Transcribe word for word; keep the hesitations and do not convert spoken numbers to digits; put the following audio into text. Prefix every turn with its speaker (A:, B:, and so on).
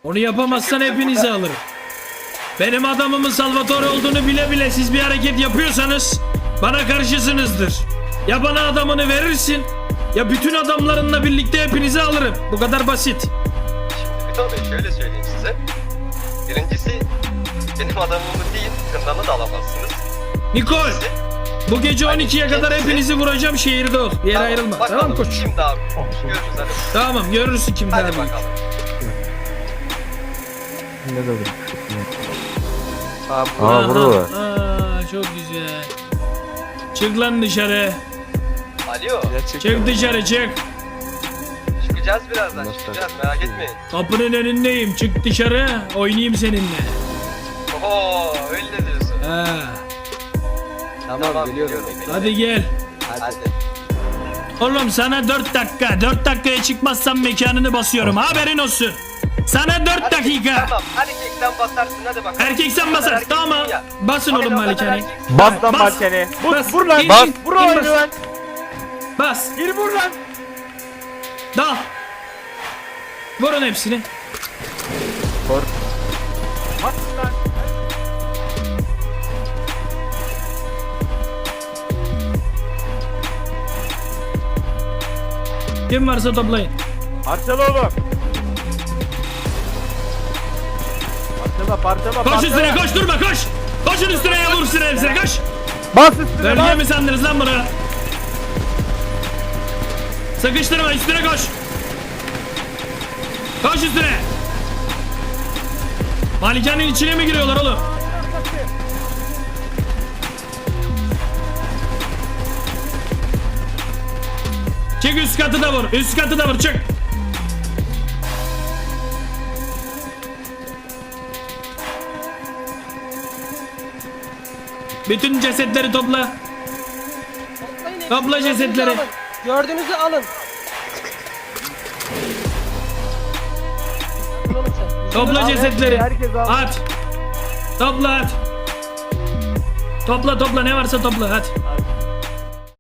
A: Onu yapamazsan hepinizi alırım. Benim adamımın Salvatore olduğunu bile bile siz bir hareket yapıyorsanız bana karşısınızdır. Ya bana adamını verirsin ya bütün adamlarınla birlikte hepinizi alırım. Bu kadar basit.
B: Şimdi Vito Bey şöyle söyleyeyim size. Birincisi benim adamımı değil kındanı da alamazsınız.
A: Nikol, bu gece on ikiye kadar
B: kendisi-
A: hepinizi vuracağım, şehirde ol. Bir yere
B: Tamam,
A: ayrılma.
B: bakalım
A: Tamam koç.
B: Şimdi abi. Görürüz hadi.
A: Tamam, görürsün kim daha
B: Hadi
A: büyük.
B: bakalım.
C: Ne dedim?
B: Abi,
C: Aa
A: Aha,
C: burada.
A: Aa, çok güzel. Çık lan dışarı.
B: Alo.
A: Çık dışarı çık.
B: Çıkacağız birazdan. Çıkacağız merak etmeyin.
A: Kapının önündeyim. Çık dışarı. Oynayayım seninle.
B: Oho öyle diyorsun.
A: Ha.
B: Tamam, geliyorum.
A: Hadi gel.
B: Hadi.
A: Oğlum sana dört dakika. dört dakikaya çıkmazsan mekanını basıyorum. Haberin olsun. Sana dört dakika.
B: Tamam erkekten basarsın hadi bakalım.
A: Erkek sen basar.
B: Erkek
A: Tamam.
B: ya.
A: Basın
B: Hadi
A: oğlum
B: o kadar
A: malikane.
B: erkek-
C: Bas lan
A: Bas.
C: malkene. Vur,
A: Bas.
C: vur lan.
A: İn,
C: Bas.
A: in,
C: Vur
A: in,
C: oyunu
A: bas.
C: lan.
A: Bas.
C: Gir vur lan.
A: Dal. Vurun hepsini.
C: Vur. Bas lan.
A: Kim varsa toplayın.
C: Parçala oğlum. Parçala parçala
A: Koş
C: parçala.
A: üstüne, koş, durma, koş. Koşun üstüne ya, vur üstüne hepsine, koş.
C: Bas üstüne
A: Bölge
C: bas.
A: mi sandınız lan bunu? Sıkıştırma, üstüne koş. Koş üstüne. Malikanenin içine mi giriyorlar oğlum? Çık, üst katı da vur, üst katı da vur, çık. Bütün cesetleri topla. Topla cesetleri.
D: Gördüğünüzü alın. Oğlum sen.
A: Topla
C: Al,
A: cesetleri.
C: herkes al.
A: At. Topla at. Topla topla, ne varsa topla, at.